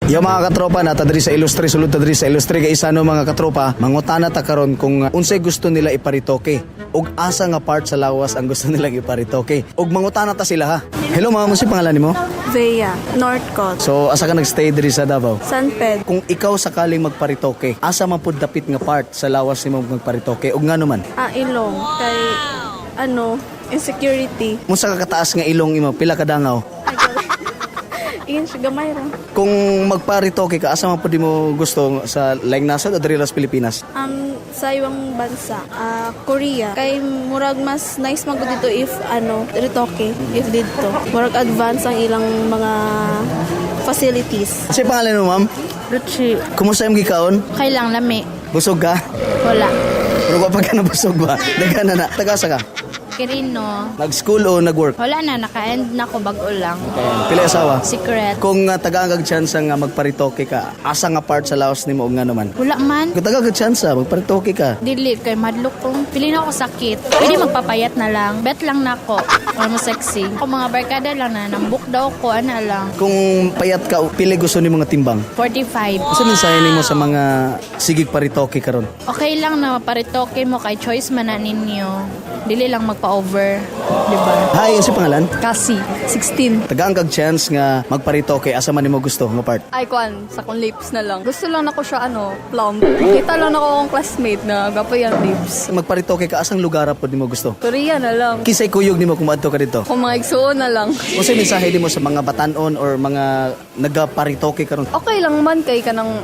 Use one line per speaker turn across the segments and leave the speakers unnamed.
Yung mga katropa na tadri sa Ilustre, sulod tadri sa Ilustre kay isa no mga katropa, mangutana ta karon kung unsay gusto nila iparitoke ug asa nga part sa lawas ang gusto nilang iparitoke. Ug mangutana ta sila ha. Hello ma'am, si pangalan nimo?
Vea, Northcote,
So asa ka nagstay diri sa Davao?
San Pedro,
Kung ikaw sakaling magparitoke, asa man pud dapit nga part sa lawas nimo magparitoke ug ngano man?
Ilong, kay insecurity.
Unsa ka kataas nga ilong imo? Pila ka dangaw?
Iyan siya gamay ra.
Kung magparitoke ka, asa man pud mo gusto sa laing nasod o diri sa Pilipinas?
Sa ibang bansa, Korea. Kay murag mas nice magud dito if retoke, if dito. Murag advance ang ilang mga facilities.
Sa pangalan mo ma'am?
Ruchi,
Kumusta imong gikaon?
kailang lami.
Busog ka?
Wala.
Pero kapag ka nabusog ba? Daga na na. Tagasa ka?
Kirino.
Nag-school o nag-work?
Wala na, naka-end na ko bago lang.
Pila asawa?
Secret.
Kung tagagag chance nga magparitoke ka, asa nga part sa laos nimo ug ngano man?
Wala man.
Kung tagagag chance magparitoke ka,
Dili, kay madlok kong. Pili na ako sakit. Pwede magpapayat na lang. Bet lang na ako. Wala mo sexy. Ako mga barkada lang na. Nambuk daw ko, ana lang.
kung payat ka, pili gusto nimo nga timbang.
45.
Asa mensahe nimo sa mga sigig paritoke karon?
Okay lang na paritoke mo kay choice man na ninyo. Dili lang magpa-over. Diba?
Hi, ang si pangalan?
Kasi 16.
Tagagag chance nga magparitoke, asa man nimo gusto nga part?
Ay, kwan, sa kong lips na lang. Gusto lang ako siya, plump. Kita lang ako akong classmate na gapo yan lips.
Magparitoke ka, asang lugar pod nimo gusto?
Korea na lang.
Kisay kuyog nimo kung adto ka dito?
Kung mga igsuon na lang.
Unsay mensahe nimo sa mga batanon or mga nagaparitoke karon?
Okay lang man kay kanang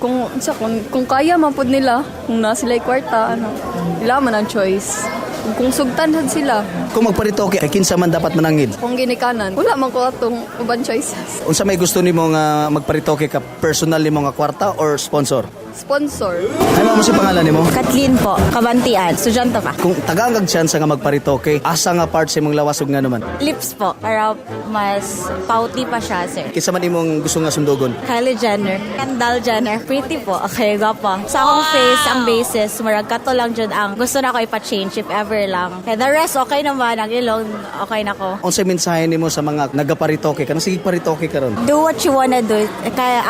kung kaya man pud nila, kung na sila kwarta, wala man ang choice. Kung sugtanhan sila,
Kung magparitoke, kay kinsa man dapat manangid?
kung ginikanan, wala man ko atong uban choices.
Unsa may gusto nimo nga magparitoke ka, personal nimo nga kwarta or sponsor?
Sponsor.
Ay mo si pangalan nimo?
Kathleen po, Kabantian, estudyante pa.
Kung tagagag chance nga magparitoke, asa nga part sa imong lawas ug ngano man?
Lips po, para mas pouty pa siya, sir.
Kinsa man imong gusto nga sundugon?
Kylie Jenner, Kendall Jenner, pretty po, okay, gwapa. Sa akong face, ang basis, marag kato lang dyan ang gusto na ko ipa-change if ever lang. Kaya the rest, okay naman, ang ilong, okay na ko.
Unsay mensahe nimo sa mga nagaparitoke ka? Sige paritoke karon.
Do what you wanna do. Kaya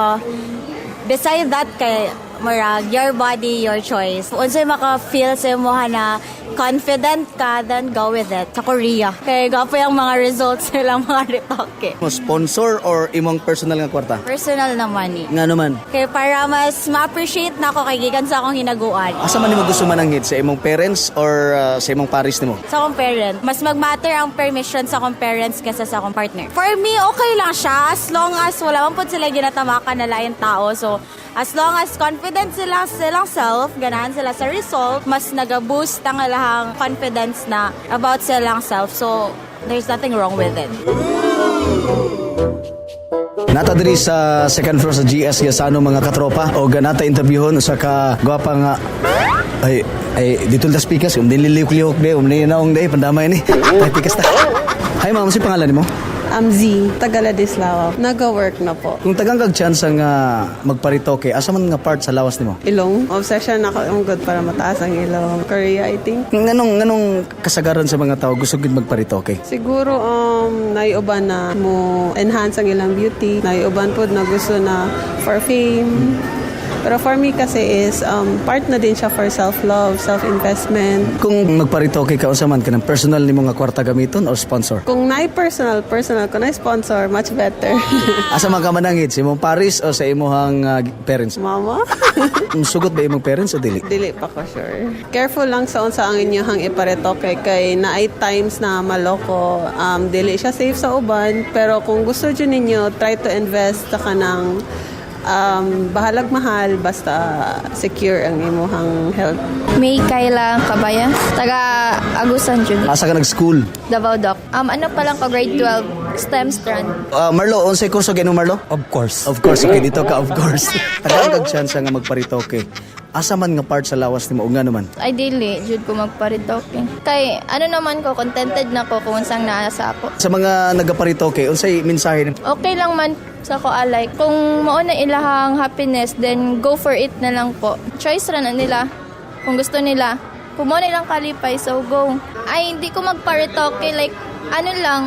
beside that, kay marag, your body, your choice. Unsay maka-feel sa mo na confident ka, then go with it. Sa Korea. Kaya gapo yung mga results nilang mga retoke.
Mo sponsor or imong personal nga kwarta?
Personal na money.
Ngano man?
Kaya para mas ma-appreciate na ako kay gikan sa akong hinaguan.
Asa man nimo gusto mananghid sa imong parents or sa imong pares nimo?
Sa akong parent. Mas mag-matter ang permission sa akong parents kaysa sa akong partner. For me, okay lang siya as long as wala man po sila ginatamakan na lain tao. So, as long as confident sila sa silang self, ganahan sila sa result, mas nag-boost ang lahang confidence na about silang self. So, there's nothing wrong with it.
Nata diri sa second floor sa GS Gasano mga katropa o ganata interviewon sa ka gwapa nga ay dito la speakers nililiw-liwok de naong de pandamay ni ay pikas ta. Hi ma'am, si pangalan nimo?
Z, Tagaladislao. Nag-work na po.
Kung tagagag chance nga magparitoke, asa man nga part sa lawas nimo?
Ilong. Obsession ako yung good para mataas ang ilong. Korea, I think.
Nganong kasagaran sa mga tao gusto gid magparitoke?
Siguro, naiuban na mo enhance ang ilang beauty. Naiuban po na gusto na for fame. Pero for me kasi is part na din siya for self-love, self-investment.
Kung magparitoke ka unsa man kanang personal nimo nga kwarta gamiton or sponsor?
Kung personal, kung sponsor, much better.
Asa man ka manangid sa imong pares o sa imong parents?
Mama?
Sugot ba imong parents o dili?
Dili pa ko sure. Careful lang sa unsa ang inyong iparetoke kay naay times na maloko. Dili siya safe sa uban, pero kung gusto dyan ninyo, try to invest sa kanang bahalag mahal basta secure ang imuhang health.
May Kayla Kabayan, taga Agusan Jun,
Asa ka nag-school?
Davao Doc. Ano pa lang ko, grade 12, STEM strand.
Marlo, unsay kurso gino Marlo?
Of course.
Of course, okay, dito ka, of course. Tagagag chance nga magparitoke. Asa man nga part sa lawas nimo ug ngano man?
Ideally, jud ko magparitoke. Kay, naman ko, contented na ko kung unsang naa sa ako.
Sa mga nagaparitoke, unsay mensahe nimo?
Okay lang man sa ko alay. Kung mao na ilahang happiness, then go for it na lang po. Choice ra na nila. Kung gusto nila. Kung mo nilang kalipay, so go. Ay, hindi ko magparitoke. Like, lang,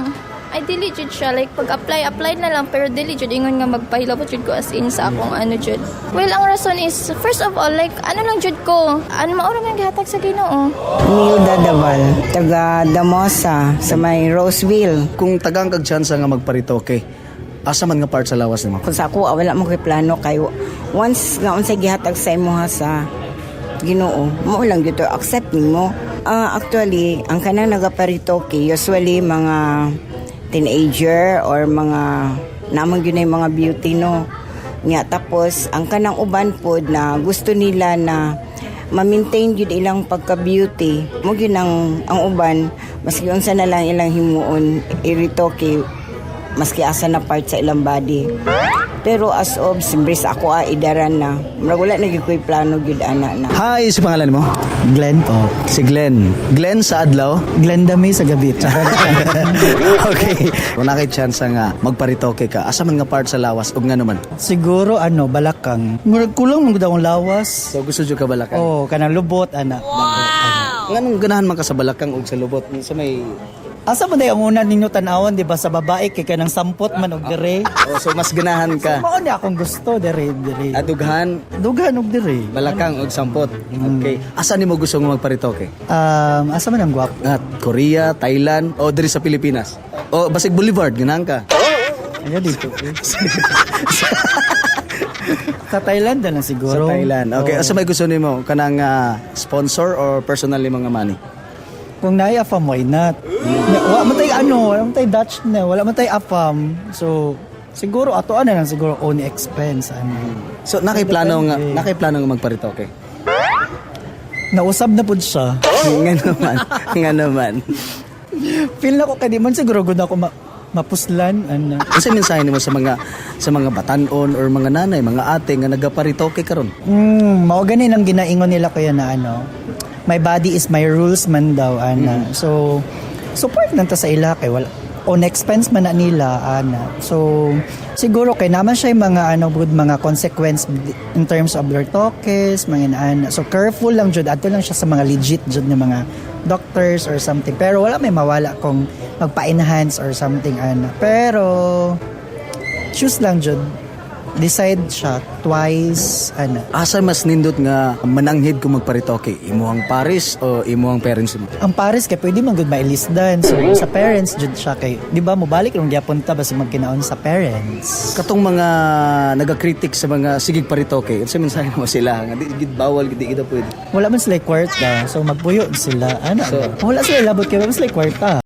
Ay, dili jud siya. Like, pag-apply na lang, pero dili jud ingon nga magpahilabot jud ko as in sa akong ano jud. Well, ang rason is, first of all, like, ano lang jud ko, ano maura nga gihatag sa Ginoo.
Nilda Daval, taga Damosa, sa may Roseville.
Kung tagang kag tsansa nga magparitoke, asa man nga part sa lawas nimo?
Kung sa ako, wala mo kay plano kay once nga unsay gihatag sa imo sa Ginoo, mo lang dito accept mo. Actually, ang kanang nagaparitoke usually mga teenager or mga namang yun ay mga beauty no. Nga tapos ang kanang uban pod na gusto nila na ma-maintain yun ilang pagka-beauty. Mo yun ang uban, maski unsa na lang ilang himuon iritoke maski asa na part sa ilang body. Pero as of simbris ako idaran na. Murag wala na gyud ko'y plano gyud ana na.
Hi, si pangalan mo?
Glenn po.
Si Glenn. Glenn sa adlaw?
Glenn Dami sa gabi.
Okay. Kung nakay tsansa nga magparitoke ka, asa man nga part sa lawas ug nga naman?
Siguro balakang. Murag kulang mo daw ang lawas.
So gusto jud ka balakan?
Oh, kanang lubot ana.
Nganong ganahan man ka sa balakang ug sa lubot? Sa may
Asa man day ang una ninyo tan-awon di ba sa babae kay kanang sampot man og dire.
so mas ganahan ka.
Mao ni akong gusto dire.
Adughan,
Dughan og dire.
balakang ug sampot. Okay. Asa nimo gusto nga magparitoke?
Asa man ang gwapo?
At Korea, Thailand o diri sa Pilipinas? O basig Boulevard ganahan ka?
Ano dito? Sa Thailand na lang
Sa
siguro.
Thailand. Okay, asa may gusto nimo kanang sponsor or personal nimo nga money?
Kung naay afam, why not? Wala man tay wala man tay Dutch na, wala man tay afam. So, siguro ato na lang siguro own expense
So nakay-plano nga
Depende.
magparitoke.
Nausab na pud siya.
nga naman.
Feel na ko kay di man siguro gud ako mapuslan
Unsa mensahe nimo sa mga batan-on or mga nanay, mga ate nga nagaparitoke karon?
mao gani lang ginaingon nila kaya na my body is my rules man daw So support nang ta sa ila kay wala on expense man na nila So siguro kay naman siya mga good mga consequence in terms of their talks mga So careful lang jud adto lang siya sa mga legit jud nga mga doctors or something. Pero wala may mawala kung magpa-enhance or something Pero choose lang jud. Decide siya twice
Asa mas nindot nga mananghid kung magparitoke? Imuhang Paris o imuhang parents mo?
Ang Paris kay pwede man gud mailisdan. So sa parents jud siya kay di ba mobalik rong giapunta basi magkinaon sa parents.
Katong mga nagakritik sa mga sigig paritoke, unsa mensahe mo sila nga di gid bawal gid kita pwede?
Wala man sila kwarta. So magpuyo sila
So,
wala sila labot kay wala sila kwarta.